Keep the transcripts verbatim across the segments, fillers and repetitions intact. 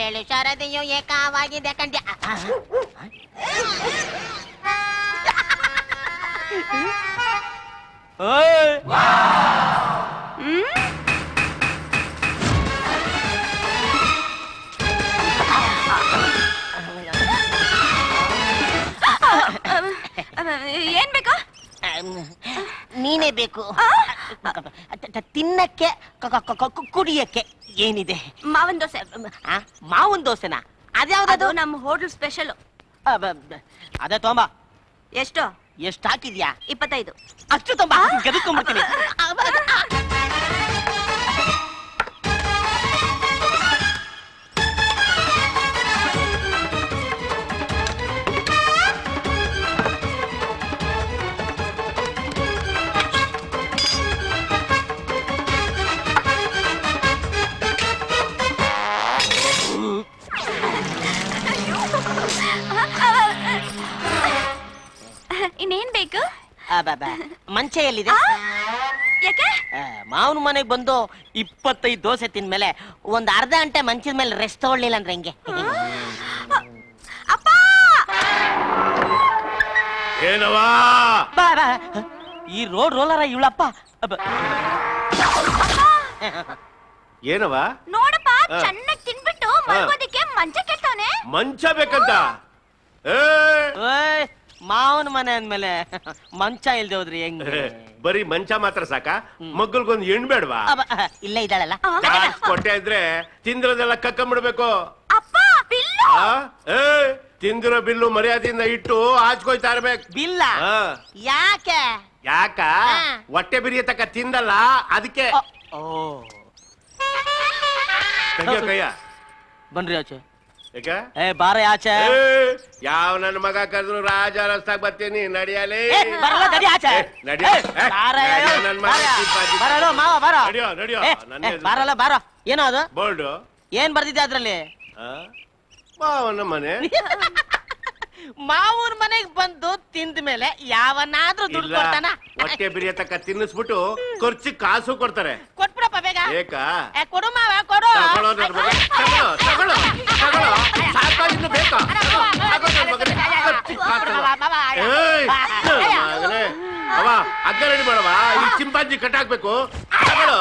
ಬಾಳೆಳು ಶಾರದೆಯು ಏಕವಾಗಿದೆ ಕಂಡ್ಯ. ಏನ್ ಬೇಕು? ನೀನೇ ಬೇಕು. ತಿನ್ನಕ್ಕೆ ಕುಡಿಯಕ್ಕೆ ಏನಿದೆ? ಮಾವನ್ ದೋಸೆ. ಮಾವನ್ ದೋಸೆನಾ? ಅದ್ಯಾವ್ದು? ನಮ್ಮ ಹೋಟೆಲ್ ಸ್ಪೆಷಲ್. ಅದೇ ತೊಂಬ. ಎಷ್ಟು ಎಷ್ಟು ಹಾಕಿದ್ಯಾ? ಇಪ್ಪತ್ತೈದು. ಅಷ್ಟು ತೊಂಬ. ಗೆದ್ಕೊಂಡ್ಬಿಡ್ತೀನಿ. ಇನ್ನೇನ್ ಬೇಕು? ಮಂಚೆ ಎಲ್ಲಿದೆ? ಯಾಕೆ? ಮಾವನ ಮನೆಗ್ ಬಂದು ಇಪ್ಪತ್ತೈದು ದೋಸೆ ತಿಂದ್ಮೇಲೆ ಒಂದ್ ಅರ್ಧ ಗಂಟೆ ಮಂಚದ ಮೇಲೆ ರೆಸ್ಟ್ ತಗೊಳ್ಳಿಲ್ಲ ಅಂದ್ರೆ ಹೆಂಗೆ? ಅಪ್ಪ ಏನವಾ? ಬಾ ಬಾ. ಈ ರೋಡ್ ರೋಲರ ಇವಳಪ್ಪ. ಏನವ? ನೋಡಪ್ಪ, ಚೆನ್ನಾಗಿ ತಿನ್ಬಿಟ್ಟು ಮಲ್ಗೋದಿಕ್ಕೆ ಮಂಚ ಕೆಟ್ಟವನೆ. ಮಂಚ ಬೇಕಂತ? ಮಾವನ ಮನೆ ಅಂದ್ಮೇಲೆ ಮಂಚ ಇಲ್ದೆ ಹೋದ್ರಿ ಹೆಂಗೆ? ಬರೀ ಮಂಚ ಮಾತ್ರ ಸಾಕ? ಮಗ್ಗಲ್ಗೊಂದು ಹೆಣ್ ಬೇಡವಾ? ಇಲ್ಲ ಇದ್ದಾಳಲ್ಲ. ಕೊಟ್ಟೆ ಇದ್ರೆ ತಿಂದಿರೋದೆಲ್ಲ ಕಕ್ಕಂಬಿಡ್ಬೇಕು. ಅಪ್ಪ ಬಿಲ್ಲು. ಏ ತಿಂದಿರೋ ಬಿಲ್ಲು ಮರ್ಯಾದೆಯಿಂದ ಇಟ್ಟು ಆಚ್ಕೊಯ್ತಾ ಇರ್ಬೇಕು. ಬಿಲ್ಲ? ಯಾಕೆ? ಯಾಕ? ಹೊಟ್ಟೆ ಬಿರಿಯತಕ್ಕ ತಿಂದಲ್ಲ ಅದಕ್ಕೆ. ಕೈಯ ಕೈಯ ಬನ್ರಿ ಆಚೆ. ಯಾಕ? ಏ ಬಾರ ಆಚೆ. ಯಾವ ನನ್ನ ಮಗ ಕರೆದ್ರು ರಾಜ ರಸ್ತಾಗ ಬರ್ತೀನಿ. ನಡಿಯಲಿ. ಬರಲ್ಲ, ನಡಿ ಆಚೆ. ಬರಲ್ಲ ಮಾವ, ಬರ. ನಡಿಯೋ ನಡಿಯೋ. ಬರಲ್ಲ, ಬಾರ. ಏನೋ ಅದು ಬೋರ್ಡು? ಏನ್ ಬರ್ದಿದ್ದೆ ಅದ್ರಲ್ಲಿ? ಮಾವನ ಮನೆ. ಮಾವನ ಮನೆಗ್ ಬಂದು ತಿಂದ ಮೇಲೆ ಯಾವನಾದ್ರೂ ದುಡ್ಡು ಕೊಡ್ತಾನ? ಹೊಟ್ಟೆ ಬಿರಿಯತಕ್ಕ ತಿನ್ನಿಸ್ಬಿಟ್ಟು ಖರ್ಚು ಕಾಸು ಕೊಡ್ತಾರೆ. ಕೊಟ್ಬಿಡಪ್ಪ ಬೇಗ. ಏಕ ಕೊಡು ಮಾವ, ಕೊಡು. ತಗೊಳ್ಳೋ ನನ್ ಮಗ. ತಗೊಳ್ಳೋ ತಗೊಳ್ಳೋ ತಗೊಳ್ಳೋ. ಸಾಕೋ ಇನ್ನು ಬೇಕಾ? ಸಾಕೋ ನನ್ ಮಗನೇ. ಖರ್ಚು ಕಾಸಲ್ಲ. ಏಯ್ ಮಗನೇ, ಅವ ಅಗ್ಗ ರೆಡಿ ಮಾಡವ. ಈ ಚಿಂಪಾಂಜಿ ಕಟ್ಟಾಕ್ಬೇಕು. ತಗೊಳ್ಳೋ.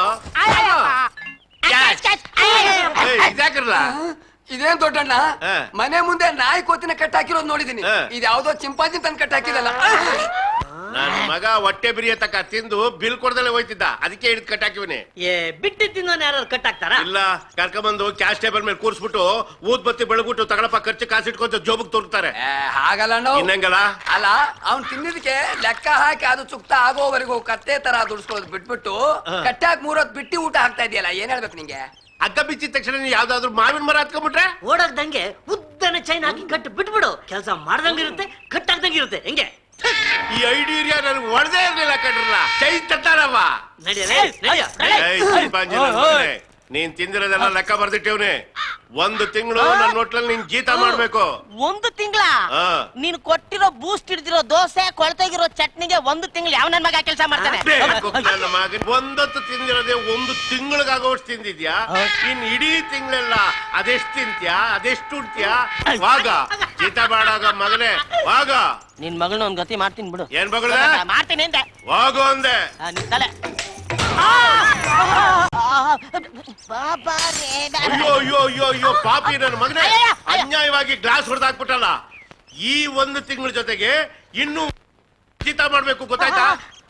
ಇದಾಕಿರಲ್ಲ. ಇದೇನ್ ದೊಡ್ಡಣ್ಣ, ಮನೆ ಮುಂದೆ ನಾಯಿ ಕೋತಿನ ಕಟ್ಟಾಕಿರೋದು ನೋಡಿದೀನಿ. ಇದು ಯಾವ್ದೋ ಚಿಂಪಾಂಜಿ ತಂದು ಕಟ್ಟಾಕಿದಲ್ಲ. ನನ್ ಮಗ ಹೊಟ್ಟೆ ಬಿರಿಯತಕ್ಕ ತಿಂದು ಬಿಲ್ ಕೊಡ್ದಲೆ ಹೋಯ್ತಿದ್ದ, ಅದಕ್ಕೆ ಹಿಡಿದು ಕಟ್ಟಾಕಿವನಿ. ಬಿಟ್ಟು ತಿನ್ನೋನ್ ಯಾರು ಕಟ್ಟಾಕ್ತಾರ? ಇಲ್ಲ, ಕರ್ಕೊಂಡ್ಬಂದು ಕ್ಯಾಶ್ ಟೇಬಲ್ ಮೇಲೆ ಕೂರ್ಸ್ಬಿಟ್ಟು ಊದ್ ಬತ್ತಿ ಬೆಳಗ್ಬಿಟ್ಟು ತಗಳಪ್ಪ ಖರ್ಚು ಕಾಸು ಇಟ್ಕೊಂತ ಜೋಬಗ್ ತೋರ್ತಾರೆ. ಹಾಗಲ್ಲ ಇನ್ನಂಗಲ್ಲ. ಅಲ್ಲ, ಅವ್ನ್ ತಿನ್ನಿದಕ್ಕೆ ಲೆಕ್ಕ ಹಾಕಿ ಅದು ಚುಕ್ತ ಆಗೋವರೆಗೂ ಕತ್ತೆ ತರ ದುಡ್ಸ್ಕೋದ್ ಬಿಟ್ಬಿಟ್ಟು ಕಟ್ಟಾಕ್ ಮೂರೊತ್ ಬಿಟ್ಟಿ ಊಟ ಹಾಕ್ತಾ ಇದೆಯಲ್ಲ, ಏನ್ ಹೇಳ್ಬೇಕು ನಿಂಗೆ? ಅಗ್ಗ ಬಿಚ್ಚಿದ ತಕ್ಷಣ ಯಾವ್ದಾದ್ರು ಮಾವಿನ ಮರ ಹತ್ಕೊಂಡ್ಬಿಟ್ರೆ ಓಡಾಕ್ದಂಗೆ ಉದ್ದನ ಚೈನ್ ಹಾಕಿ ಕಟ್ಟು ಬಿಟ್ಬಿಡು. ಕೆಲಸ ಮಾಡ್ದಂಗಿರುತ್ತೆ, ಕಟ್ಟಾಕ್ದಂಗಿರುತ್ತೆ. ಹೆಂಗೆ? ಈ ಐಡಿಯಾ ನನ್ಗೆ ಒಳದೇ ಇರ್ಲಿಲ್ಲ ಕಣ್ರಲ್ಲ. ಚೈ ತಟ್ಟಾರವ್ವ. ನೀನ್ ತಿಂದಿರೋದೆಲ್ಲ ಲೆಕ್ಕ ಬರ್ದಿಟ್ಟೇವ್ನೆ. ಒಂದು ತಿಂಗಳು ನನ್ನ ಹೋಟ್ಲಲ್ಲಿ ನೀನ್ ಜೀತ ಮಾಡ್ಬೇಕು. ಒಂದು ತಿಂಗಳ? ನೀನ್ ಕೊಟ್ಟಿರೋ ಬೂಸ್ಟ್ ಹಿಡಿದಿರೋ ದೋಸೆ, ಕೊಳ್ತೋಗಿರೋ ಚಟ್ನಿಗೆ ಒಂದು ತಿಂಗಳು ಯಾವ ನನ್ ಮಗ ಕೆಲಸ ಮಾಡ್ತಾನೆ? ನನ್ನ ಮಗನ್ ಒಂದೊತ್ತು ತಿಂದಿರೋದೇ ಒಂದು ತಿಂಗಳಿಗಾಗೋಷ್ಟು ತಿಂದಿದ್ಯಾ? ಇನ್ ಇಡೀ ತಿಂಗಳೆಲ್ಲ ಅದೆಷ್ಟು ತಿಂತ್ಯಾ, ಅದೆಷ್ಟು ಉಡ್ತ್ಯಾ? ವಾಗ ಜೀತ ಮಾಡಾಗ ಮಗನೇ, ವಾಗ. ನಿನ್ ಮಗಳನ್ನ ಒಂದ್ ಗತಿ ಮಾಡ್ತೀನಿ ಬಿಡು. ಏನ್ ಮಗಳ? ಮಾಡ್ತೀನಿ ಅಂದೆ. ಹೋಗು ಅಂದೆ. ನಿನ್ ತಲೆ. ಅಯ್ಯೋ ಅಯ್ಯೋ ಅಯ್ಯೋ ಅಯ್ಯೋ ಪಾಪಿ ನನ್ನ ಮಗನೇ, ಅನ್ಯಾಯವಾಗಿ ಗ್ಲಾಸ್ ಹೊಡೆದಾಕ್ಬಿಟ್ಟಲ್ಲ. ಈ ಒಂದು ತಿಂಗಳ ಜೊತೆಗೆ ಇನ್ನು ಜೀತ ಮಾಡ್ಬೇಕು, ಗೊತ್ತಾಯ್ತಾ?